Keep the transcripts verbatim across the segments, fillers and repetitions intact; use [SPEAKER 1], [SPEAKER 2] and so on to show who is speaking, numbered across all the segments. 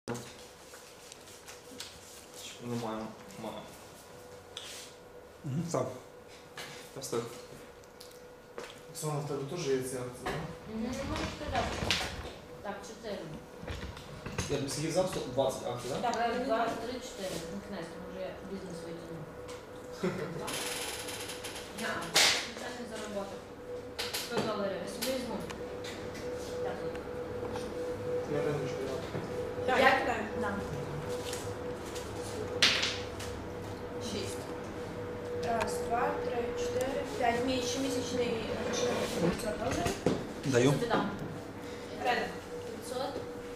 [SPEAKER 1] Немає. Має.
[SPEAKER 2] Угу, сам.
[SPEAKER 1] Я встиг.
[SPEAKER 3] Оксана, в тебе теж є ці акції, так?
[SPEAKER 4] Не можеш сказати. Так, чотири.
[SPEAKER 1] Я тобі скільки взяв? двадцять акцій, так?
[SPEAKER 4] Так, два, три, чотири. Замкнеться, може я бізнес витягну. Я звичайно зароботав. сто доларів. Я собі візьму. Так.
[SPEAKER 3] Я риночку дав.
[SPEAKER 4] Так.
[SPEAKER 5] Я кидаю?
[SPEAKER 4] Да.
[SPEAKER 5] Шість. Раз, два, три, чотири, п'ять. Мій щомісячний грошовий п'ятсот доларів.
[SPEAKER 2] Даю.
[SPEAKER 4] Тобі дам.
[SPEAKER 5] Ринок.
[SPEAKER 4] п'ятсот.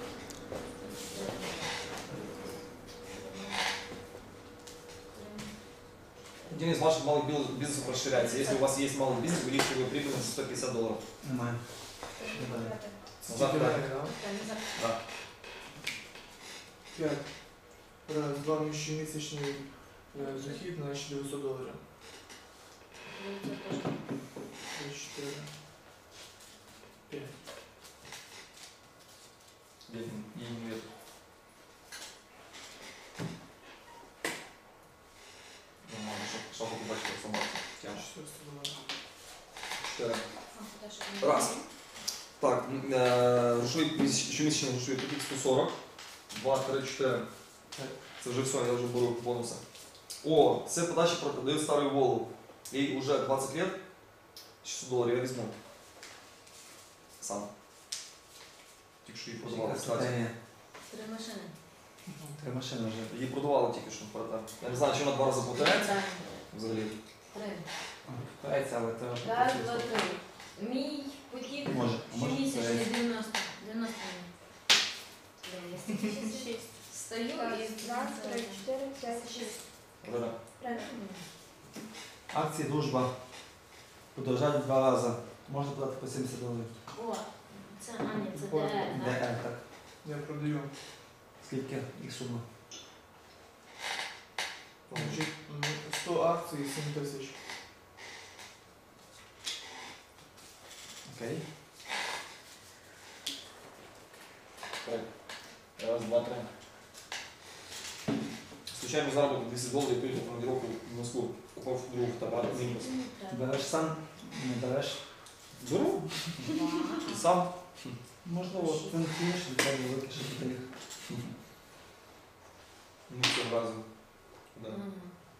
[SPEAKER 1] Денис, ваш малый бил- бизнес расширяется. Если у вас есть малый бизнес, увеличьте его прибыль на сто пятьдесят долларов.
[SPEAKER 2] Немає.
[SPEAKER 1] Завтра.
[SPEAKER 3] Тільки ринок, так?
[SPEAKER 4] Та не за-
[SPEAKER 1] Да.
[SPEAKER 3] П'ять. Раз, два, мій щомісячний е, дохід на дев'ятсот доларів.
[SPEAKER 4] Це теж.
[SPEAKER 3] Три, чотири. П'ять.
[SPEAKER 1] Деньги. И не вверх. Нормально, что- что вы побачите, сама тема.
[SPEAKER 3] четыреста доларів.
[SPEAKER 1] Четыре.
[SPEAKER 4] А, куди ж він?
[SPEAKER 1] Раз. Так, м, е, грошовий місяч- щомісячний грошовий потік сто сорок. два, три, чотири.
[SPEAKER 3] Так.
[SPEAKER 1] Це вже все, я вже беру бонуси. О, це подача продаю старую Волу. Ей уже двадцать лет. шестьсот доларів я візьму. Сам. Тільки що її продавали, кстати.
[SPEAKER 4] Три машини.
[SPEAKER 2] Три машини вже.
[SPEAKER 1] Її продавали тільки що продав. Я не знаю, чи вона два рази повторяється
[SPEAKER 4] Так.
[SPEAKER 1] взагалі.
[SPEAKER 4] Три.
[SPEAKER 2] Повторяється, але то...
[SPEAKER 4] Раз, два, три. Мій потік
[SPEAKER 2] Може, може
[SPEAKER 4] щомісячний
[SPEAKER 2] повторяється.
[SPEAKER 4] дев'яносто. дев'яносто мені. Шість. Стою
[SPEAKER 5] Раз,
[SPEAKER 4] і...
[SPEAKER 5] два, три, чотири, п'ять, шість.
[SPEAKER 1] Ринок.
[SPEAKER 5] Ринок.
[SPEAKER 2] Акції «Дружба» подорожають два рази. Можна подати по сімдесят доларів.
[SPEAKER 4] О, це Аня, це
[SPEAKER 3] Ой,
[SPEAKER 4] ДР,
[SPEAKER 2] Де,
[SPEAKER 4] так?
[SPEAKER 2] е, так.
[SPEAKER 3] Я продаю.
[SPEAKER 2] Скільки їх сума?
[SPEAKER 3] Значить, м, сто акцій, сім тисяч.
[SPEAKER 2] Окей.
[SPEAKER 1] Так. Раз, два, три. Случайно заработал двести долларов, приехал в командировку в Москву. Попал в другу фотоаппарат, Зимбас.
[SPEAKER 4] Мені треба.
[SPEAKER 2] Береш сам, не береш.
[SPEAKER 1] Беру.
[SPEAKER 4] Два.
[SPEAKER 1] Сам.
[SPEAKER 2] Можливо, ти не вмієш, від тебе велике, що ти їх.
[SPEAKER 1] Ну, все разом. Да.
[SPEAKER 4] Мгм.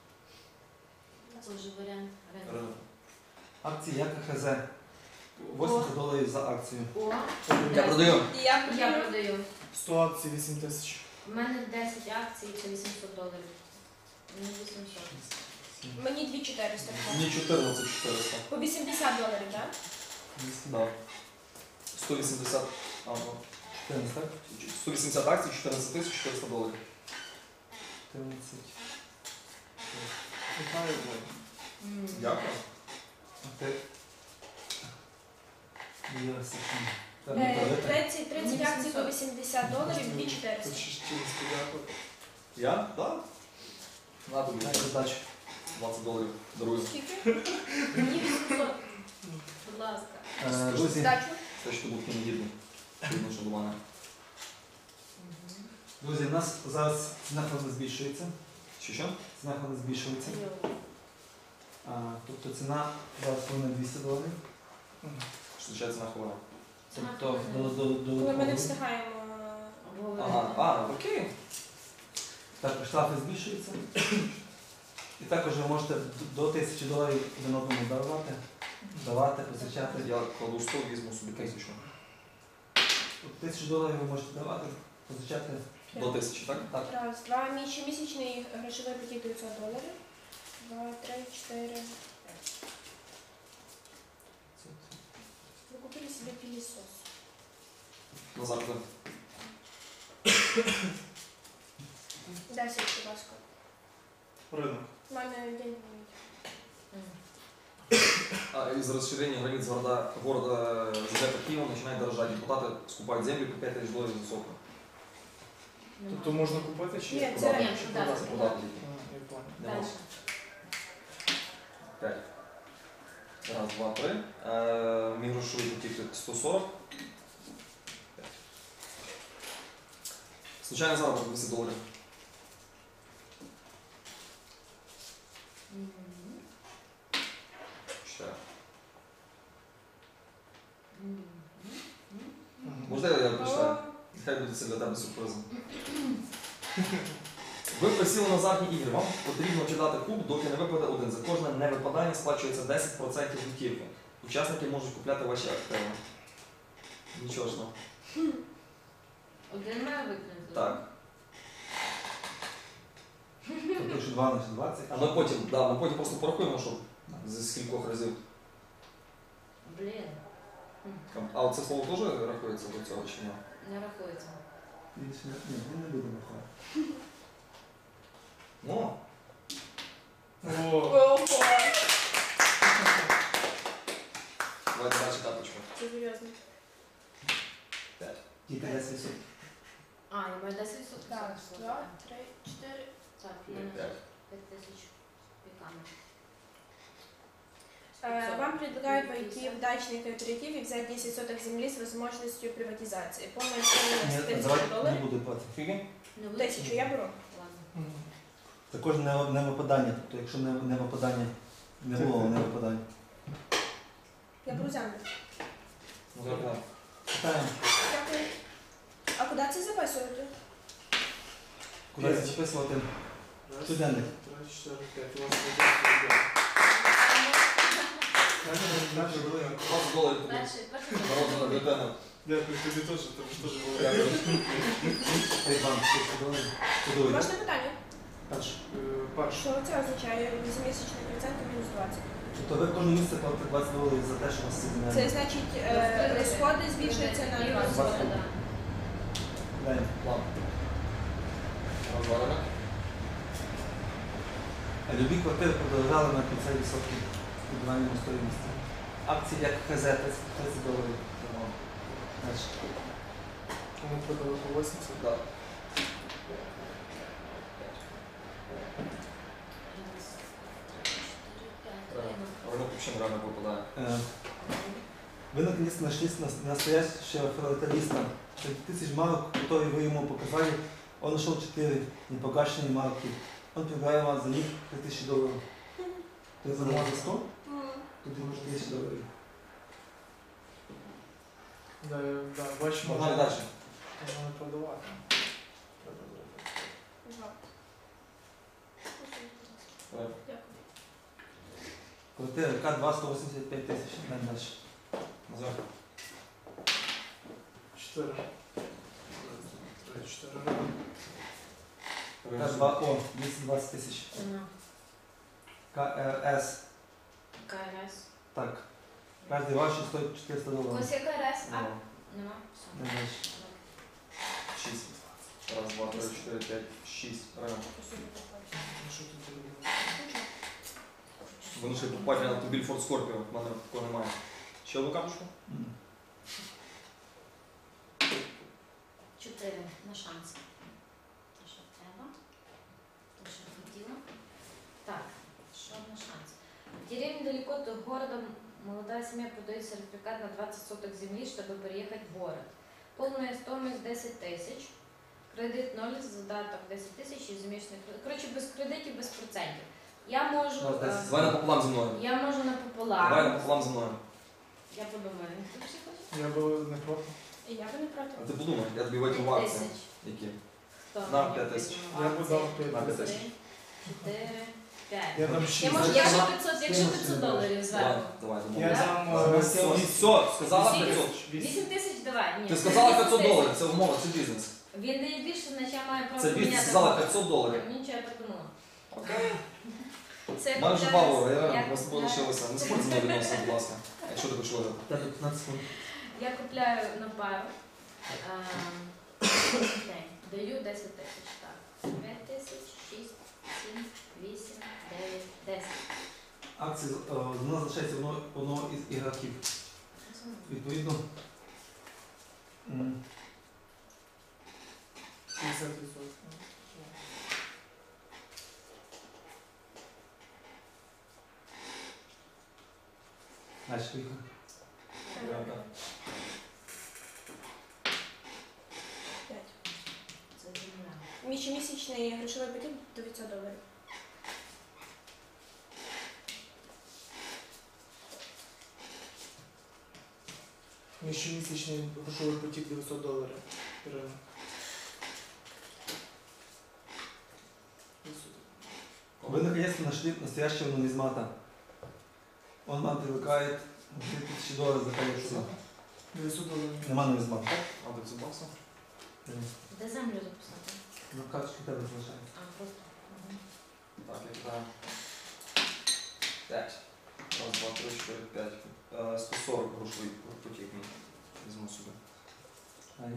[SPEAKER 4] Це вже варіант ринку.
[SPEAKER 1] Рынок.
[SPEAKER 2] Акції як ХЗ. вісімдесят доларів за акцію.
[SPEAKER 4] О,
[SPEAKER 1] Я продаю.
[SPEAKER 5] І я
[SPEAKER 4] я
[SPEAKER 5] продаю.
[SPEAKER 4] продаю.
[SPEAKER 3] сто акцій, вісім тисяч.
[SPEAKER 4] У мене десять акцій, це вісімсот доларів. Мені вісімсот.
[SPEAKER 5] Мені дві чотириста.
[SPEAKER 1] Мне чотирнадцять чотириста.
[SPEAKER 5] По вісімдесят доларів, так?
[SPEAKER 1] Да. сто вісімдесят. А, ну.
[SPEAKER 2] чотирнадцять, так?
[SPEAKER 1] сто вісімдесят акцій, чотирнадцять тисяч чотириста доларів.
[SPEAKER 2] чотирнадцять.
[SPEAKER 3] Вітаю, Бог.
[SPEAKER 4] М.
[SPEAKER 1] Дякую.
[SPEAKER 2] А ти? Дивишся, що
[SPEAKER 5] Е,
[SPEAKER 2] треба продати.
[SPEAKER 5] тридцять тридцять акцій по вісімдесят доларів, дві чотириста.
[SPEAKER 3] Тут ще чимось подякувати.
[SPEAKER 1] Я? Так. Да. На тобі.
[SPEAKER 2] Дай задачу.
[SPEAKER 1] двадцять доларів. Дарую.
[SPEAKER 5] Скільки?
[SPEAKER 4] Мені вісімсот. Будь ласка.
[SPEAKER 2] Е, Друзі,
[SPEAKER 5] Здачу.
[SPEAKER 1] Це що був кіногідний. Видно, що до мене.
[SPEAKER 4] Мгм.
[SPEAKER 2] друзі, у нас зараз ціна фонду збільшується.
[SPEAKER 1] Що що?
[SPEAKER 2] Ціна фонду збільшується.
[SPEAKER 4] Йо.
[SPEAKER 2] А, тобто ціна зараз повинна двісті доларів.
[SPEAKER 1] Що означає ціна хвилина?
[SPEAKER 2] Тобто до, до, до,
[SPEAKER 5] Коли ми не
[SPEAKER 2] до
[SPEAKER 5] встигаємо.
[SPEAKER 4] Обговорити.
[SPEAKER 1] Ага, а, окей.
[SPEAKER 2] також штрафи збільшуються. І також ви можете до тисячі доларів один одному давати, давати, позичати.
[SPEAKER 1] Я кладу сто, візьму собі тисячу.
[SPEAKER 2] Тисячу доларів ви можете давати, позичати.
[SPEAKER 1] До тисячі, так?
[SPEAKER 2] Так.
[SPEAKER 5] Раз, два, мій щомісячний грошовий потік дев'ятсот доларів. Два, три, чотири, п'ять. Ви купили собі пілісос.
[SPEAKER 1] Назавжди.
[SPEAKER 5] Десять, будь ласка.
[SPEAKER 3] Ринок.
[SPEAKER 5] У мене день.
[SPEAKER 4] Мгм.
[SPEAKER 1] А из-за расширения границ города, города Жека Киева начинает дорожать. Депутаты скупают землю по пять тысяч долларов за сотку.
[SPEAKER 4] Нема.
[SPEAKER 3] Тобто можна купити чи
[SPEAKER 5] Ні,
[SPEAKER 3] як?
[SPEAKER 5] це-
[SPEAKER 3] Продати?
[SPEAKER 4] Ні,
[SPEAKER 3] Чи
[SPEAKER 4] продати.
[SPEAKER 3] продати?
[SPEAKER 1] Продати.
[SPEAKER 3] А, я понял.
[SPEAKER 1] Нема.
[SPEAKER 4] Дальше.
[SPEAKER 1] Пять. Раз, два, три. Э, Мій грошовий потік сто сорок. Случайний заробіток двісті доларів.
[SPEAKER 4] Мгм.
[SPEAKER 1] Чотири.
[SPEAKER 4] Мгм.
[SPEAKER 1] Можна я прочитаю? Хай буде це для тебе сюрпризом. Ви присіли на азартні ігри. Вам потрібно кидати куб, доки не випаде один. За кожне невипадання сплачується десять відсотків готівки. Учасники можуть купляти ваші активи. Нічого ж.
[SPEAKER 4] Один має виконати?
[SPEAKER 1] Так.
[SPEAKER 2] Тобто, якщо два на двадцять,
[SPEAKER 1] А ми потім, да, ми потім просто порахуємо, що зі скількох разів.
[SPEAKER 4] Блін,
[SPEAKER 1] А от це слово теж рахується до цього чи ні?
[SPEAKER 4] не рахується.
[SPEAKER 2] більше не, ні, він не буде рахувати.
[SPEAKER 1] Ну,
[SPEAKER 3] О,
[SPEAKER 5] Ого!
[SPEAKER 1] давайте далі карточку.
[SPEAKER 5] Це серйозно.
[SPEAKER 1] П'ять.
[SPEAKER 2] Тільки десять відсотків.
[SPEAKER 4] А, я маю десять відсотків.
[SPEAKER 5] Так, два, три, чотири.
[SPEAKER 4] Так, в мене
[SPEAKER 1] П'ять.
[SPEAKER 4] п'ять тисяч піками.
[SPEAKER 5] Э, Вам предлагают войти в дачный кооператив и взять десять соток земли с возможностью приватизации. Полная стоимость
[SPEAKER 2] Ні,
[SPEAKER 5] тысяча
[SPEAKER 2] давайте не
[SPEAKER 5] долларов.
[SPEAKER 2] буде платити.
[SPEAKER 1] Скільки?
[SPEAKER 4] Не буде?
[SPEAKER 5] Тисячу я беру.
[SPEAKER 4] Ладно.
[SPEAKER 2] Також не, не випадання, тобто якщо не, не випадання, не було не випадання.
[SPEAKER 5] Я беру землю.
[SPEAKER 1] Ну, так.
[SPEAKER 2] Питаємо,
[SPEAKER 5] Дякую. А куди це записувати?
[SPEAKER 2] куди
[SPEAKER 3] П'ять.
[SPEAKER 2] записувати
[SPEAKER 3] раз,
[SPEAKER 2] щоденник.
[SPEAKER 3] три, чотири, п'ять. У вас буде
[SPEAKER 1] двадцять доларів тобі.
[SPEAKER 4] Перший, перший.
[SPEAKER 1] Народна бюлетена.
[SPEAKER 3] Дякую тобі теж, тобі ж теж було.
[SPEAKER 1] Дякую.
[SPEAKER 2] Ей, вам, подивіться.
[SPEAKER 5] Можна питання?
[SPEAKER 2] Перше.
[SPEAKER 3] Е, Перше.
[SPEAKER 5] Що це означає? вісіммісячний процент мінус двадцять.
[SPEAKER 2] Тобто ви кожне місце платите двадцять доларів за те, що у вас це
[SPEAKER 5] Це
[SPEAKER 2] земля.
[SPEAKER 5] значить, е, розходи збільшуються на
[SPEAKER 4] І
[SPEAKER 5] двадцять.
[SPEAKER 4] розходи, да.
[SPEAKER 2] Даємо.
[SPEAKER 1] Ладно. Розвалимо.
[SPEAKER 2] А любі квартири подорожали на п'ятдесят відсотків відбуванням стоїмості. Акції як ХЗ тридцять доларів. Дальше.
[SPEAKER 3] Кому продали по вісімдесят?
[SPEAKER 1] Да.
[SPEAKER 4] Раз, три, чотири, п'ять.
[SPEAKER 1] Реально. Ринок взагалі реально випадає.
[SPEAKER 2] Э, Вы наконец нашлись на- настоящего филателиста. Среди тысяч марок, которые вы ему показали, он нашел четыре непогашенные марки. Он предлагает вам за них три тысячи долларов. Ты замовлял за сто? Тут ему четыре тысячи долларов.
[SPEAKER 3] Да, я- да, бачимо.
[SPEAKER 1] Погнали далі.
[SPEAKER 3] Можна не продавати.
[SPEAKER 5] Два.
[SPEAKER 1] Давай.
[SPEAKER 5] Дякую.
[SPEAKER 2] Квартира К два сто восемьдесят пять тысяч. Дай дальше.
[SPEAKER 1] Назар.
[SPEAKER 3] Чотири. Раз, два, три, чотири.
[SPEAKER 2] К два О двести двадцать тысяч.
[SPEAKER 4] Ціна.
[SPEAKER 2] КРС.
[SPEAKER 4] КРС.
[SPEAKER 2] Так. Каждый ваший стоит четыреста
[SPEAKER 4] У
[SPEAKER 2] долларов.
[SPEAKER 4] вас є КРС? А?
[SPEAKER 1] Ну,
[SPEAKER 4] Нема? Все.
[SPEAKER 2] Дай дальше.
[SPEAKER 1] шість. Раз, два, три, чотири, п'ять, шість. Реально.
[SPEAKER 3] Що тут зробили?
[SPEAKER 1] Вони ще покупати на автомобіль Ford Scorpio. В мене такого немає. Ще одну карточку?
[SPEAKER 2] М.
[SPEAKER 4] Чотири на шанс. Те, що треба. Те, що хотіла. Так, що на шанс. В деревне далеко от города молодая семья продает сертификат на двадцать соток земли, чтобы переехать в город. Полная стоимость десять тисяч. Кредит ноль, задаток десять тисяч і змішаний кредит. Коротше, без кредитів, без процентів. Я можу...
[SPEAKER 2] Ну, десять.
[SPEAKER 4] е,
[SPEAKER 1] Давай напополам зі мною.
[SPEAKER 4] Я можу
[SPEAKER 1] Давай
[SPEAKER 4] напополам.
[SPEAKER 1] напополам зі мною.
[SPEAKER 4] Я подумаю. Ти всі хочеш?
[SPEAKER 3] Я би не проти.
[SPEAKER 5] І я би не проти.
[SPEAKER 1] А ти подумай, я тобі вийду в
[SPEAKER 4] П'ять
[SPEAKER 1] акції.
[SPEAKER 4] тисяч.
[SPEAKER 1] Які?
[SPEAKER 4] Хто
[SPEAKER 1] На
[SPEAKER 4] мені
[SPEAKER 1] п'ять тисяч.
[SPEAKER 4] візьме в
[SPEAKER 3] Я б
[SPEAKER 4] акції?
[SPEAKER 3] дав п'ять
[SPEAKER 1] На п'ять
[SPEAKER 4] Три,
[SPEAKER 1] тисяч.
[SPEAKER 4] чотири, п'ять.
[SPEAKER 3] Я дам шість.
[SPEAKER 4] Я можу,
[SPEAKER 2] Скинь
[SPEAKER 4] якщо
[SPEAKER 2] на-
[SPEAKER 4] п'ятсот,
[SPEAKER 2] скинь
[SPEAKER 4] якщо
[SPEAKER 2] на
[SPEAKER 4] п'ятсот
[SPEAKER 2] скинь.
[SPEAKER 4] доларів
[SPEAKER 1] Давай,
[SPEAKER 4] зверху.
[SPEAKER 1] давай,
[SPEAKER 3] Я
[SPEAKER 1] домовились.
[SPEAKER 3] дам
[SPEAKER 1] Все,
[SPEAKER 3] е,
[SPEAKER 1] все, сказала
[SPEAKER 4] Скільки?
[SPEAKER 1] п'ятсот.
[SPEAKER 4] Вісім тисяч давай. Ні,
[SPEAKER 1] Ти
[SPEAKER 4] це
[SPEAKER 1] сказала
[SPEAKER 4] вісім
[SPEAKER 1] п'ятсот
[SPEAKER 4] тисяч.
[SPEAKER 1] доларів, це умова, це бізнес.
[SPEAKER 4] Він дає більше, значить я маю право
[SPEAKER 1] Це бізнес,
[SPEAKER 4] поміняти.
[SPEAKER 1] сказала п'ятсот доларів.
[SPEAKER 4] Мені нічого я подумала.
[SPEAKER 1] Окей.
[SPEAKER 4] Це
[SPEAKER 1] У мене вже
[SPEAKER 4] купляю-
[SPEAKER 1] бабло, я
[SPEAKER 4] я
[SPEAKER 1] ми з тобою
[SPEAKER 4] купляю-
[SPEAKER 1] лишилися. Не спорт зі мною відносини, будь ласка. Якщо ти хочеш виграти.
[SPEAKER 2] Тебе пятнадцать секунд.
[SPEAKER 4] Я купляю на пару. ем, день. Даю десять тисяч. Так. п'ять тисяч, шість, сім, вісім, дев'ять, десять.
[SPEAKER 2] Акції е, вона залишається одного, одного із ігроків. Відповідно, м,
[SPEAKER 3] п'ятдесят відсотків.
[SPEAKER 2] далі поїхали.
[SPEAKER 5] П'ять.
[SPEAKER 4] Це
[SPEAKER 5] Щомісячний грошовий потік дев'ятсот доларів.
[SPEAKER 3] Мій щомісячний грошовий потік дев'ятсот доларів. Ірина.
[SPEAKER 2] Вы наконец-то нашли настоящего нумизмата. Он вам предлагает две тысячи долларов за коллекцию.
[SPEAKER 3] дев'ятсот доларів.
[SPEAKER 2] Нема нумизмата.
[SPEAKER 1] А дев'ятсот баксов?
[SPEAKER 4] Де землю записати?
[SPEAKER 2] Ну, карточка тебе залишається.
[SPEAKER 4] А, просто. Мгм.
[SPEAKER 1] Так, я кидаю. пять. Раз, два, три, четыре, пять. Э, сто сорок грошей потік мій. Візьму сюди.
[SPEAKER 2] Ай.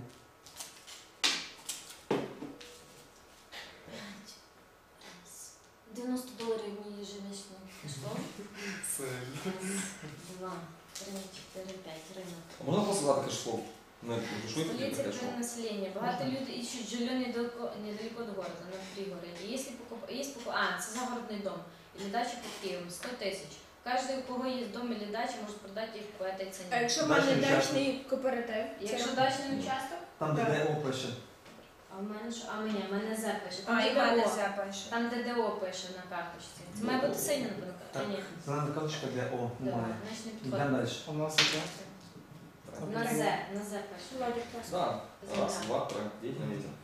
[SPEAKER 4] П'ять. Раз. дев'яносто доларів мені ежемісячно пішло.
[SPEAKER 3] Це
[SPEAKER 4] Два, три, чотири, п'ять. Ринок.
[SPEAKER 1] А можна просто задати кешфлоу? Ну, грошовий потік
[SPEAKER 4] Столица
[SPEAKER 1] кешфлоу.
[SPEAKER 4] край населения. Богатые люди ищут жилье недалеко, недалеко от города, на пригороде. Если покуп... есть покуп... А, это загородный дом или дача под Киевом, сто тысяч. Каждый, у кого есть дом или дача, может продать их по этой
[SPEAKER 5] А
[SPEAKER 4] цене.
[SPEAKER 5] якщо в мене
[SPEAKER 2] Дачний
[SPEAKER 5] дачний кооператив,
[SPEAKER 4] Якщо
[SPEAKER 5] це...
[SPEAKER 4] дачний участок,
[SPEAKER 2] Там, де
[SPEAKER 5] Так.
[SPEAKER 2] ДО пише.
[SPEAKER 4] а в мене що? А мені, в мене З пише. Там
[SPEAKER 5] А, і в мене
[SPEAKER 4] ДДО.
[SPEAKER 5] запише.
[SPEAKER 4] Там ДДО пише на карточці. Це має бути синя на карточці.
[SPEAKER 2] Так.
[SPEAKER 4] Ні.
[SPEAKER 2] Зелена карточка ДО.
[SPEAKER 4] Да,
[SPEAKER 2] Немає.
[SPEAKER 4] значить не
[SPEAKER 2] Йдемо
[SPEAKER 4] підходить.
[SPEAKER 2] далі.
[SPEAKER 3] у нас яке?
[SPEAKER 4] На З, на З пише.
[SPEAKER 5] Володя, клас.
[SPEAKER 1] Да. Раз,
[SPEAKER 4] Земля.
[SPEAKER 1] два, три. Діть на вітер.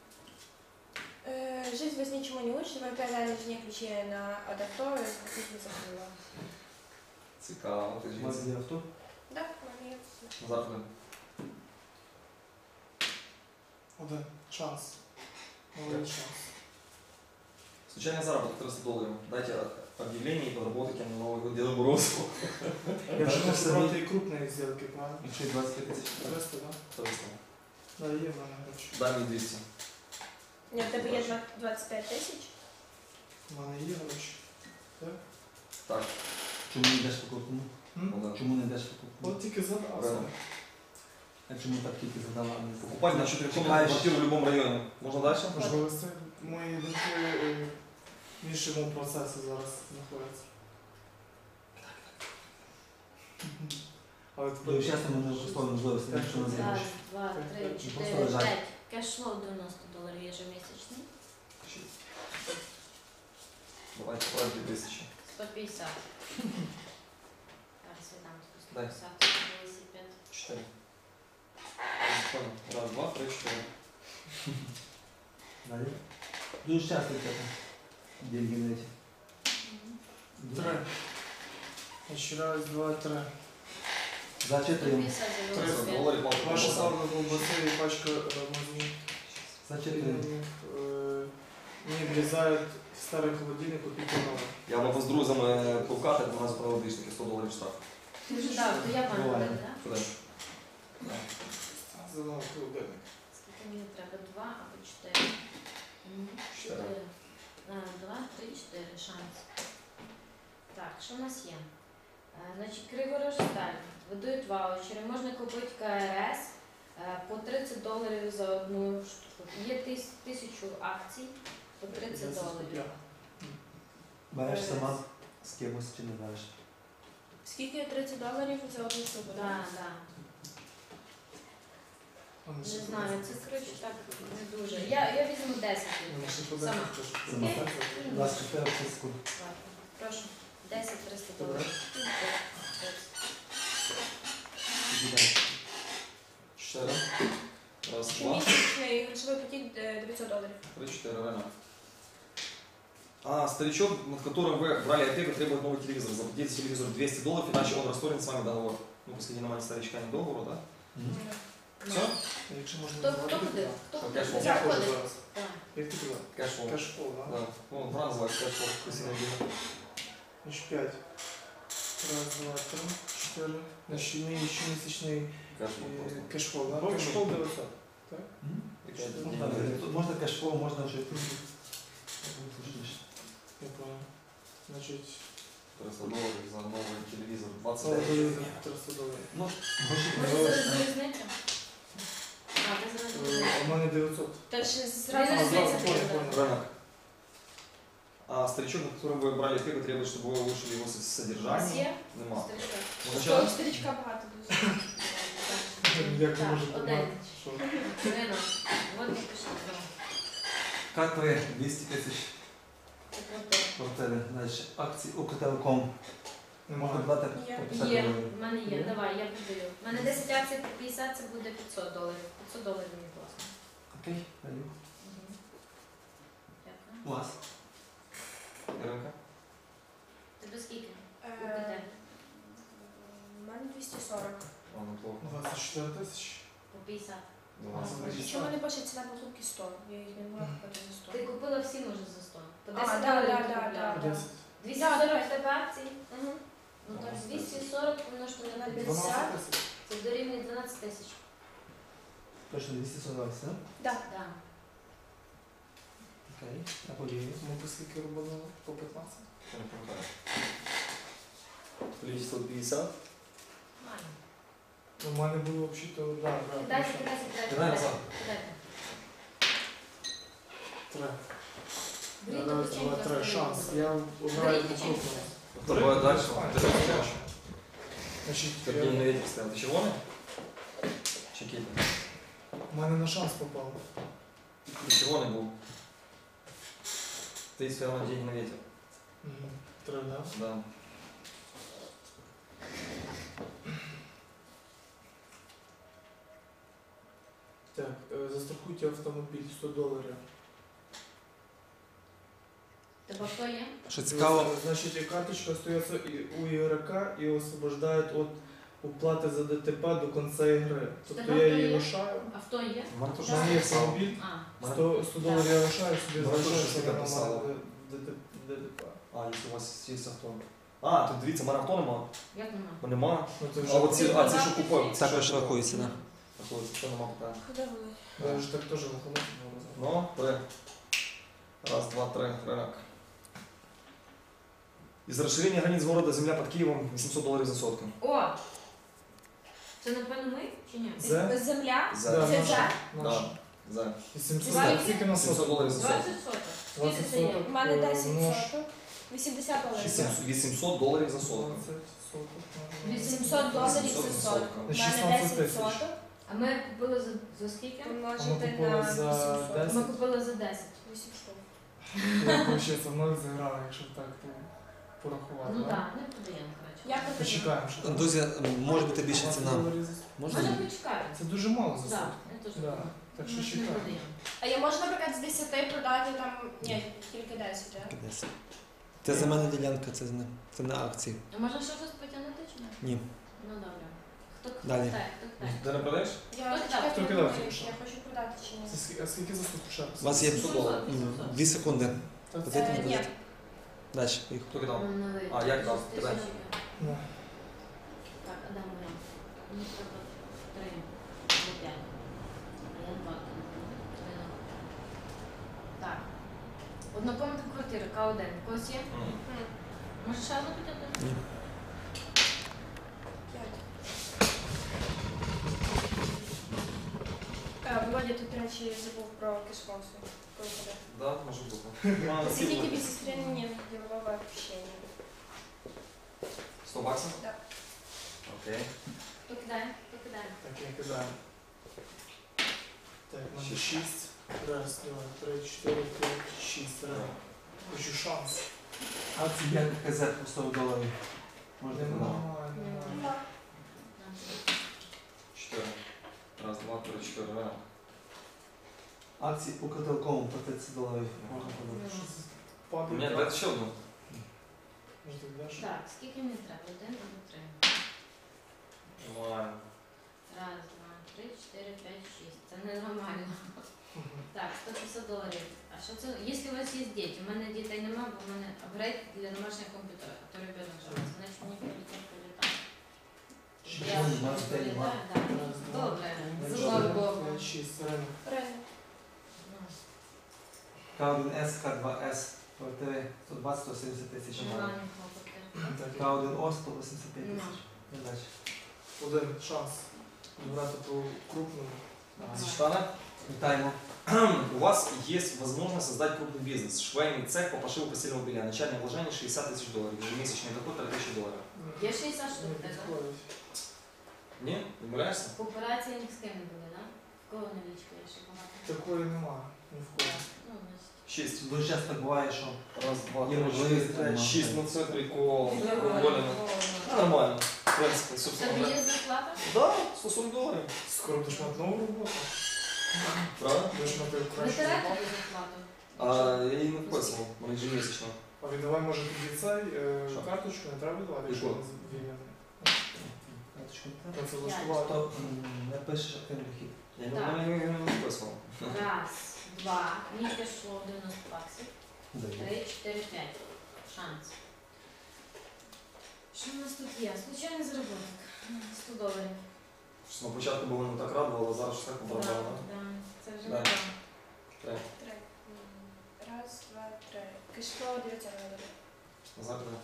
[SPEAKER 5] Э, Жизнь вас ничему не учит, вы оказали жене ключи на от авто и спасибо закрыла.
[SPEAKER 1] Цікаво. Ти
[SPEAKER 2] У вас
[SPEAKER 1] жінці.
[SPEAKER 2] є авто?
[SPEAKER 5] Да, вони.
[SPEAKER 1] Назад туди.
[SPEAKER 3] Один. Час. Новий час.
[SPEAKER 1] Случайный заработок триста долларов. Дайте объявление и подработайте на Новый год Деда Морозу.
[SPEAKER 3] Я вже
[SPEAKER 2] Так,
[SPEAKER 3] можу
[SPEAKER 2] самі-
[SPEAKER 3] брати і крупні зділки, правильно?
[SPEAKER 2] Якщо є двадцять п'ять тисяч.
[SPEAKER 3] триста, так?
[SPEAKER 1] триста.
[SPEAKER 3] Да, є в мене гроші.
[SPEAKER 1] Дай мне двести.
[SPEAKER 5] Ні, в тебе є два- двадцять п'ять тисяч.
[SPEAKER 3] У мене є гроші.
[SPEAKER 1] Так,
[SPEAKER 2] Чому не йдеш по крупному?
[SPEAKER 3] М?
[SPEAKER 1] ну да.
[SPEAKER 2] Чому не йдеш по крупному?
[SPEAKER 3] От тільки задався.
[SPEAKER 1] Рано.
[SPEAKER 2] А чому так тільки задала, а не
[SPEAKER 1] Покупать на четырехкомнатную
[SPEAKER 2] Чекаєш.
[SPEAKER 1] квартиру в любом районе. Можно дальше?
[SPEAKER 3] Можливо, це мої думки е, в іншому процесі зараз знаходяться. Але
[SPEAKER 2] Ви
[SPEAKER 3] тепер
[SPEAKER 2] чесно, ми не використовуємо можливості,
[SPEAKER 3] Так,
[SPEAKER 2] якщо у нас є
[SPEAKER 4] Раз,
[SPEAKER 2] гроші.
[SPEAKER 4] два, три,
[SPEAKER 2] Просто
[SPEAKER 4] чотири,
[SPEAKER 2] лежать.
[SPEAKER 4] п'ять. Кешфлоу дев'яносто доларів ежемісячний.
[SPEAKER 1] Давайте, правильно, две тысячи.
[SPEAKER 4] сто п'ятдесят. Зараз я дам тобі сто
[SPEAKER 1] Дай.
[SPEAKER 4] п'ятдесят. велосипед.
[SPEAKER 1] Четыре. Понял. Раз, два, три, четыре.
[SPEAKER 2] Далі. Дуже часто це деньги на эти.
[SPEAKER 4] Мгм.
[SPEAKER 3] три. Ще раз, два, три.
[SPEAKER 2] За
[SPEAKER 4] сто
[SPEAKER 2] чотири.
[SPEAKER 4] п'ятдесят за
[SPEAKER 1] триста
[SPEAKER 4] велосипед.
[SPEAKER 1] долларов по
[SPEAKER 3] Ваша
[SPEAKER 1] колбаса.
[SPEAKER 3] ставка колбаси і пачка е, мазні.
[SPEAKER 2] За чотири.
[SPEAKER 3] Е, Мені влізають старий холодильник, купити новий.
[SPEAKER 1] Я могу с друзями пукати, у нас правил більше сто доларів штраф.
[SPEAKER 4] Ти вже дав, то я пан
[SPEAKER 2] Буває.
[SPEAKER 4] говорити, так?
[SPEAKER 1] Куди?
[SPEAKER 3] За новий холодильник.
[SPEAKER 4] Скільки мені треба? Два або чотири? Мгм.
[SPEAKER 1] Чотири.
[SPEAKER 4] Чотири. А, Два, три, чотири. Шанс. Так, що в нас є? Е, Значить, Криворожсталь видають ваучери. Можна купити КРС е, по тридцять доларів за одну штуку. Є тис- тисячу акцій по тридцять доларів.
[SPEAKER 2] Береш сама з кимось чи не береш?
[SPEAKER 5] Скільки тридцять доларів за одну штуку?
[SPEAKER 4] Так, так. Не знаю, це коротше так не дуже. Я, я візьму десять. Сама.
[SPEAKER 2] Сама.
[SPEAKER 4] Окей?
[SPEAKER 2] двадцять чотири секунд.
[SPEAKER 4] Ладно, прошу. десять триста доларів.
[SPEAKER 1] Чотири. Раз, два,
[SPEAKER 5] Щомісячний грошовий потік е, дев'ятсот доларів.
[SPEAKER 1] три, четыре. Рано. А, старичок, над которым вы брали опеку, требует новый телевизор. Заплатите за телевизор двести долларов, иначе он расторгнет с вами договор. Ну, после немає старичка не договору, да?
[SPEAKER 2] Мгм.
[SPEAKER 1] Все?
[SPEAKER 3] Якщо можна
[SPEAKER 4] Хто, хто
[SPEAKER 3] зробити,
[SPEAKER 4] буде?
[SPEAKER 3] так.
[SPEAKER 4] Хто
[SPEAKER 1] Що,
[SPEAKER 4] буде?
[SPEAKER 1] кешфлоу?
[SPEAKER 3] Я хочу
[SPEAKER 4] Заходить.
[SPEAKER 3] зараз.
[SPEAKER 4] Так.
[SPEAKER 3] Як ти казав?
[SPEAKER 1] Кэшфлоу.
[SPEAKER 3] Кешфлоу, так?
[SPEAKER 1] Да. Ну, правильно называется кэшфлоу. Красивое дело.
[SPEAKER 3] Значить, п'ять. Раз, два, три, чотири. Значить, мій щомісячний
[SPEAKER 1] Кэшфлоу
[SPEAKER 3] е,
[SPEAKER 1] просто.
[SPEAKER 3] кешфлоу, да?
[SPEAKER 1] Просто.
[SPEAKER 3] Кешфлоу дев'ятсот.
[SPEAKER 2] Мгм.
[SPEAKER 1] И пять.
[SPEAKER 2] Можна, тут можна кешфлоу, можна вже.
[SPEAKER 3] Я понял. Значить,
[SPEAKER 1] триста долларов за новый телевизор.
[SPEAKER 3] це
[SPEAKER 1] двадцать пять.
[SPEAKER 3] триста доларів.
[SPEAKER 2] Ну, гроші
[SPEAKER 4] Може
[SPEAKER 2] появилися.
[SPEAKER 4] зараз різниця? А, ти зараз
[SPEAKER 3] Е,
[SPEAKER 4] різниця.
[SPEAKER 3] У мене дев'ятсот.
[SPEAKER 5] Та ж
[SPEAKER 3] А,
[SPEAKER 5] зразу
[SPEAKER 4] Різниця
[SPEAKER 3] зразу
[SPEAKER 4] буде.
[SPEAKER 3] понял, понял.
[SPEAKER 1] Рынок. А старичок, над которым вы брали опеку, требует, чтобы вы улучшили его со- содержание.
[SPEAKER 4] Є?
[SPEAKER 1] Нема.
[SPEAKER 4] Старичок.
[SPEAKER 1] Ну,
[SPEAKER 5] Того
[SPEAKER 1] сначала
[SPEAKER 5] старичка багато дуже.
[SPEAKER 3] Як
[SPEAKER 4] Так,
[SPEAKER 3] може
[SPEAKER 4] один.
[SPEAKER 3] бути? Що?
[SPEAKER 4] Ринок. Вот не пишіть.
[SPEAKER 2] К3 двісті тисяч
[SPEAKER 4] Це квартира.
[SPEAKER 2] квартири. Далі. Акції Укртелеком. Можна
[SPEAKER 3] Немає.
[SPEAKER 2] брати
[SPEAKER 1] Ну,
[SPEAKER 2] по
[SPEAKER 4] Є,
[SPEAKER 2] п'ятдесят
[SPEAKER 4] є,
[SPEAKER 2] доларів.
[SPEAKER 4] в мене є,
[SPEAKER 3] Є?
[SPEAKER 4] давай, я продаю. У мене десять акцій по п'ятдесят, це буде п'ятсот доларів. п'ятсот доларів мені класно.
[SPEAKER 2] Окей, даю.
[SPEAKER 4] Мгм. Дякую.
[SPEAKER 2] У вас?
[SPEAKER 1] Іринка?
[SPEAKER 4] Тебе скільки?
[SPEAKER 5] Е,
[SPEAKER 4] УКТ?
[SPEAKER 5] У мене двісті сорок.
[SPEAKER 1] О, неплохо.
[SPEAKER 3] двадцять чотири тисячі.
[SPEAKER 4] По п'ятдесят.
[SPEAKER 1] двадцять.
[SPEAKER 5] Чому не пише ціна покупки сто? Я їх не могла купити за сто.
[SPEAKER 4] Ти купила всі, може, за сто. По
[SPEAKER 5] А,
[SPEAKER 4] десять
[SPEAKER 5] да,
[SPEAKER 4] доларів
[SPEAKER 5] да,
[SPEAKER 4] ти
[SPEAKER 5] да,
[SPEAKER 4] купляла.
[SPEAKER 5] да.
[SPEAKER 3] десять.
[SPEAKER 4] двісті
[SPEAKER 5] Да,
[SPEAKER 4] сорок
[SPEAKER 5] давай.
[SPEAKER 4] в тебе акцій?
[SPEAKER 5] Угу.
[SPEAKER 4] Ну так, двісті сорок помножити на п'ятдесят,
[SPEAKER 3] дванадцять тисяч.
[SPEAKER 4] це дорівнює дванадцять тисяч.
[SPEAKER 2] Точно двісті сорок, так?
[SPEAKER 5] Да.
[SPEAKER 4] Да.
[SPEAKER 2] Окей, я подію.
[SPEAKER 3] Ми по скільки робили? По п'ятнадцять?
[SPEAKER 1] Я не пам'ятаю. Количество п'ятдесят.
[SPEAKER 4] Нормально.
[SPEAKER 3] У мене було взагалі-то, да, да.
[SPEAKER 4] Кидайся, кидайся, кидайся.
[SPEAKER 1] Кидай назад.
[SPEAKER 4] Кидайте.
[SPEAKER 3] Три.
[SPEAKER 4] Беріть
[SPEAKER 3] Раз,
[SPEAKER 4] печеньку,
[SPEAKER 3] два, три.
[SPEAKER 4] розкрийте.
[SPEAKER 3] Шанс. Я обираю
[SPEAKER 4] Беріть
[SPEAKER 3] по
[SPEAKER 4] печеньку.
[SPEAKER 3] крупному.
[SPEAKER 1] Давай дальше. Ти що
[SPEAKER 3] Дальше.
[SPEAKER 1] хочеш?
[SPEAKER 3] Значить,
[SPEAKER 1] Сергій на
[SPEAKER 3] я-
[SPEAKER 1] ветер стоял. Ты червоный? Чекіт.
[SPEAKER 3] у мене на шанс попав.
[SPEAKER 1] Ты червоный был. Ты стоял на день на ветер.
[SPEAKER 3] Мгм. Три, да?
[SPEAKER 1] Да.
[SPEAKER 3] Так, е, застрахуйте автомобіль сто доларів.
[SPEAKER 4] Тебе хто є?
[SPEAKER 2] Що цікаво,
[SPEAKER 3] Значить, карточка остается і- у ігрока і освобождає від уплати за ДТП до кінця ігри. Тобто
[SPEAKER 4] Тебе
[SPEAKER 3] я
[SPEAKER 4] хто
[SPEAKER 3] її
[SPEAKER 4] є?
[SPEAKER 3] лишаю.
[SPEAKER 4] Авто є?
[SPEAKER 1] У мене
[SPEAKER 3] У
[SPEAKER 1] теж
[SPEAKER 3] мене є
[SPEAKER 1] написало.
[SPEAKER 3] автомобіль,
[SPEAKER 4] А,
[SPEAKER 3] сто, сто доларів я лишаю, собі
[SPEAKER 1] Мене теж
[SPEAKER 3] залишаю,
[SPEAKER 1] щось
[SPEAKER 3] що
[SPEAKER 1] таке
[SPEAKER 3] вона
[SPEAKER 1] писало.
[SPEAKER 3] має ДТП.
[SPEAKER 1] А, якщо у вас є авто. А, тут дивіться, мене авто нема.
[SPEAKER 4] як нема?
[SPEAKER 1] Бо нема.
[SPEAKER 3] Ну, це
[SPEAKER 1] А
[SPEAKER 3] вже,
[SPEAKER 1] оці, а ці що купив?
[SPEAKER 2] також рахується, так?
[SPEAKER 1] Рахується, що нема питань.
[SPEAKER 5] Куди вони?
[SPEAKER 3] я вже так теж виходить.
[SPEAKER 1] Ну, три. Раз, два, три. Рынок. Из расширения границ города земля под Киевом вісімсот доларів за сотку.
[SPEAKER 4] О! Це напевно ми чи ні?
[SPEAKER 3] За?
[SPEAKER 5] Земля?
[SPEAKER 1] За.
[SPEAKER 3] Да,
[SPEAKER 5] Це
[SPEAKER 3] наша.
[SPEAKER 5] за?
[SPEAKER 3] Наша.
[SPEAKER 1] Да. За.
[SPEAKER 3] вісімсот,
[SPEAKER 4] Скільки?
[SPEAKER 3] скільки на
[SPEAKER 1] сімсот
[SPEAKER 3] сотку?
[SPEAKER 1] доларів за сотку.
[SPEAKER 4] двадцять соток. Скільки
[SPEAKER 3] двадцять
[SPEAKER 4] це є?
[SPEAKER 3] соток.
[SPEAKER 5] У мене
[SPEAKER 3] Е,
[SPEAKER 5] десять
[SPEAKER 3] множ.
[SPEAKER 5] соток. вісімдесят доларів.
[SPEAKER 1] вісімсот вісімсот доларів за сотку.
[SPEAKER 3] двадцять соток. на-
[SPEAKER 5] вісімсот доларів
[SPEAKER 1] вісімсот
[SPEAKER 5] за
[SPEAKER 1] за
[SPEAKER 5] сотку.
[SPEAKER 1] сотку.
[SPEAKER 5] У мене
[SPEAKER 3] шістнадцять
[SPEAKER 5] десять
[SPEAKER 3] тисяч.
[SPEAKER 5] соток.
[SPEAKER 4] А ми купили за, за скільки?
[SPEAKER 3] А ми
[SPEAKER 5] Помножити
[SPEAKER 3] купили
[SPEAKER 5] на
[SPEAKER 3] за
[SPEAKER 5] вісімсот.
[SPEAKER 3] десять.
[SPEAKER 4] Ми купили за десять.
[SPEAKER 5] вісімсот.
[SPEAKER 3] Я, виходить, ноль зіграв, якщо так то порахувати.
[SPEAKER 4] Ну
[SPEAKER 3] да?
[SPEAKER 4] так, не продаємо, коротше.
[SPEAKER 5] Я продаю.
[SPEAKER 3] Почекаємо, що там.
[SPEAKER 2] Друзі, може бути більша
[SPEAKER 3] двадцять
[SPEAKER 2] ціна.
[SPEAKER 3] доларів за-
[SPEAKER 2] Можна?
[SPEAKER 4] Можемо почекати.
[SPEAKER 3] Це дуже мало за
[SPEAKER 4] Так,
[SPEAKER 3] сотку.
[SPEAKER 4] я теж
[SPEAKER 3] Да.
[SPEAKER 4] думаю.
[SPEAKER 3] Так
[SPEAKER 4] Ми
[SPEAKER 3] що
[SPEAKER 4] ж не
[SPEAKER 3] чекаємо.
[SPEAKER 4] продаємо.
[SPEAKER 5] А я можу, наприклад, з десяти продати там. Ні, тільки десять, так?
[SPEAKER 2] Десь. Це земельна ділянка, це не, це не акції.
[SPEAKER 4] А можна ще щось потягнути чи ні?
[SPEAKER 2] Ні.
[SPEAKER 4] Ну добре. Хто хто
[SPEAKER 2] Далі.
[SPEAKER 4] кидає, хто кидає?
[SPEAKER 1] Ти не продаєш?
[SPEAKER 5] Я
[SPEAKER 4] Хто
[SPEAKER 5] чекаю,
[SPEAKER 3] Хто
[SPEAKER 5] я
[SPEAKER 3] кидав
[SPEAKER 5] думаю,
[SPEAKER 3] тільки що?
[SPEAKER 5] я хочу продати чи ні.
[SPEAKER 3] Це скільки- А скільки за сотку ще раз?
[SPEAKER 2] У вас є
[SPEAKER 1] вісімсот доларів.
[SPEAKER 4] вісімсот.
[SPEAKER 2] Дві секунди.
[SPEAKER 3] Та це-
[SPEAKER 2] Подайте,
[SPEAKER 5] Е, ні.
[SPEAKER 2] подайте. Далі, поїхали.
[SPEAKER 1] Хто кидав?
[SPEAKER 4] Ну, ну,
[SPEAKER 1] А, як дав?
[SPEAKER 4] шість
[SPEAKER 1] Кидай.
[SPEAKER 4] тисяч.
[SPEAKER 3] Ну.
[SPEAKER 4] Так, Адам Мирон. Мені треба три або п'ять. А я два. Три на- Так. Однокомнатна квартира, К один. У когось є?
[SPEAKER 1] М.
[SPEAKER 5] М,
[SPEAKER 4] Може ще одну потягнути?
[SPEAKER 2] Ні.
[SPEAKER 5] п'ять. Е, Володя, тут, до речі, забув про кишкосу.
[SPEAKER 1] Да, може бути.
[SPEAKER 5] Скільки тебе сестринні ділового общення?
[SPEAKER 1] сто баксів?
[SPEAKER 5] Да.
[SPEAKER 1] Окей.
[SPEAKER 4] Хто кидає? Хто кидає?
[SPEAKER 3] Так, я кидаю. Так, у мене шість. Раз, два, три, чотири, п'ять, шість. Раз. Хочу шанс.
[SPEAKER 2] Акції як КЗ по сто доларів. Можна продати.
[SPEAKER 3] Немає, немає.
[SPEAKER 5] Нема.
[SPEAKER 1] Чотири. Раз, два, три, чотири. Ринок.
[SPEAKER 2] Акції Укртелекому по тридцять доларів. Можна продати.
[SPEAKER 4] Ну,
[SPEAKER 3] Падає.
[SPEAKER 1] Ні,
[SPEAKER 3] так.
[SPEAKER 1] дайте ще одну.
[SPEAKER 3] Може, ти даш?
[SPEAKER 4] Так, скільки мені треба? Один або три?
[SPEAKER 1] Нормально.
[SPEAKER 4] Раз, два, три, чотири, п'ять, шість. Це ненормально.
[SPEAKER 3] Мгм.
[SPEAKER 4] Так, сто п'ятдесят доларів. А що це? Якщо у вас є діти, у мене дітей нема, бо в мене апгрейд для домашніх комп'ютерів, то ребенок живе. Значить мені прилетить прилітати.
[SPEAKER 2] Ще
[SPEAKER 4] Я
[SPEAKER 2] один, два, три, два.
[SPEAKER 4] прилітаю, так.
[SPEAKER 3] Раз, два,
[SPEAKER 4] Добре,
[SPEAKER 3] три,
[SPEAKER 4] з
[SPEAKER 3] чотири,
[SPEAKER 4] одного боку.
[SPEAKER 3] п'ять, шість. Ринок.
[SPEAKER 5] Правильно.
[SPEAKER 4] Ну,
[SPEAKER 2] К один С, К два С, квартири сто двадцять сто сімдесят тисяч.
[SPEAKER 4] нормальні хлопоти.
[SPEAKER 3] Так,
[SPEAKER 2] К один О сто вісімдесят п'ять тисяч. І далі.
[SPEAKER 3] один шанс. Брати по крупному.
[SPEAKER 1] Светлана,
[SPEAKER 2] Вітаємо.
[SPEAKER 1] у вас есть возможность создать крупный бизнес. Швейный цех по пошиву постельного белья. Начальное вложение шестьдесят тысяч долларов. Ежемесячный доход три тысячи долларов.
[SPEAKER 4] Є шістдесят штук,
[SPEAKER 3] Не
[SPEAKER 4] так?
[SPEAKER 3] підходить.
[SPEAKER 1] Не? Не умиляешься?
[SPEAKER 4] По операції ні з ким не буде, так? В кого налічка є ще багато?
[SPEAKER 3] Такої немає. Ні в кого.
[SPEAKER 4] Ну, значить,
[SPEAKER 1] Шість.
[SPEAKER 2] Дуже часто так буває, що
[SPEAKER 1] Раз, два,
[SPEAKER 2] Є
[SPEAKER 1] три,
[SPEAKER 2] можливість
[SPEAKER 1] чотири,
[SPEAKER 2] тримати.
[SPEAKER 1] п'ять, шість на центрі коло
[SPEAKER 4] Доволі.
[SPEAKER 1] Воліна. Ну, нормально. В принципі,
[SPEAKER 4] Тобі
[SPEAKER 1] собственно.
[SPEAKER 4] є зарплата?
[SPEAKER 1] Да, сто сорок доларів.
[SPEAKER 3] Скоро будеш мати нову роботу.
[SPEAKER 1] Правда?
[SPEAKER 3] Будеш мати
[SPEAKER 4] Ви
[SPEAKER 3] кращу
[SPEAKER 4] берете
[SPEAKER 3] зарплату.
[SPEAKER 4] зарплату?
[SPEAKER 1] А я її не вписував, вона ежемісячно.
[SPEAKER 3] А віддавай, може, тоді цей е,
[SPEAKER 1] Що?
[SPEAKER 3] карточку не треба віддавати, якщо
[SPEAKER 1] Яку?
[SPEAKER 3] він звільнений.
[SPEAKER 2] карточку не
[SPEAKER 3] Та
[SPEAKER 2] треба.
[SPEAKER 3] це влаштувати.
[SPEAKER 2] То м, не пишеш активний дохід.
[SPEAKER 1] Я не,
[SPEAKER 4] Так.
[SPEAKER 1] я не, не вписував.
[SPEAKER 4] Раз, два. Мені пішло дев'яносто баксів.
[SPEAKER 2] Дає.
[SPEAKER 4] Три, чотири, п'ять. Шанс. Що у нас тут є? Случайний заробіток. сто доларів.
[SPEAKER 1] Щось на початку було не так радувало, а зараз щось так
[SPEAKER 4] Да,
[SPEAKER 1] подобало.
[SPEAKER 4] да. Це вже
[SPEAKER 1] Да.
[SPEAKER 4] не так.
[SPEAKER 1] Так,
[SPEAKER 5] Три. М, Раз, два, три. Кишко дев'ятсот доларів.
[SPEAKER 1] назад да.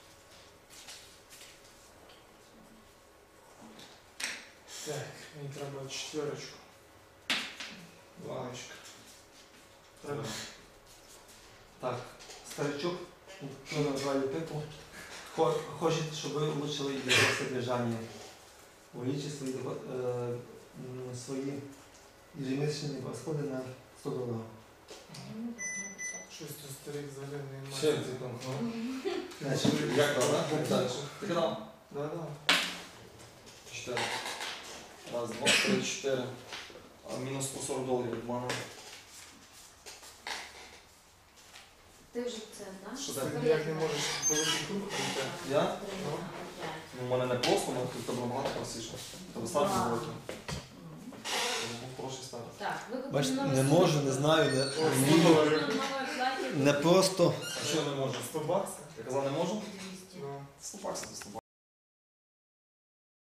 [SPEAKER 3] Так, мені треба четверочку. Дваночка. Треба.
[SPEAKER 2] Так, старичок, кто назвали типу, хо- хочет, чтобы вы улучшили его содержание. Увеличить свои, доход- э, м, свои ежемесячные расходы на сто долларов.
[SPEAKER 4] Ну, візьмемо п'ятсот.
[SPEAKER 3] Щось тут старик взагалі не
[SPEAKER 1] Ще
[SPEAKER 3] має.
[SPEAKER 1] ти там.
[SPEAKER 2] Значит,
[SPEAKER 1] Як там, да? Як далі? Ти кидав?
[SPEAKER 3] Да, да.
[SPEAKER 1] Чотири. Раз, два, три, чотири. А мінус сто сорок доларів від мене.
[SPEAKER 4] Ти вже це, так?
[SPEAKER 1] Що
[SPEAKER 3] Ти
[SPEAKER 1] це?
[SPEAKER 3] ніяк не можеш великий круг пройти.
[SPEAKER 1] Я?
[SPEAKER 4] Три,
[SPEAKER 3] Ну.
[SPEAKER 4] п'ять.
[SPEAKER 1] Ну, у мене не просто, у мене тут тебе набагато простіше. Тебе старт
[SPEAKER 4] Вау.
[SPEAKER 1] великий.
[SPEAKER 4] Мгм.
[SPEAKER 1] Це був хороший старт.
[SPEAKER 4] Так, ви купили
[SPEAKER 2] бачите,
[SPEAKER 4] нове
[SPEAKER 2] не
[SPEAKER 4] сумку.
[SPEAKER 2] можу, не знаю, не,
[SPEAKER 3] О, сто
[SPEAKER 2] вмію.
[SPEAKER 3] доларів.
[SPEAKER 4] Нове плаття.
[SPEAKER 2] Не просто.
[SPEAKER 1] А що я не можу?
[SPEAKER 3] сто баксів?
[SPEAKER 1] Я казав, не можу?
[SPEAKER 4] двісті.
[SPEAKER 3] Ну.
[SPEAKER 1] сто баксів, сто баксів.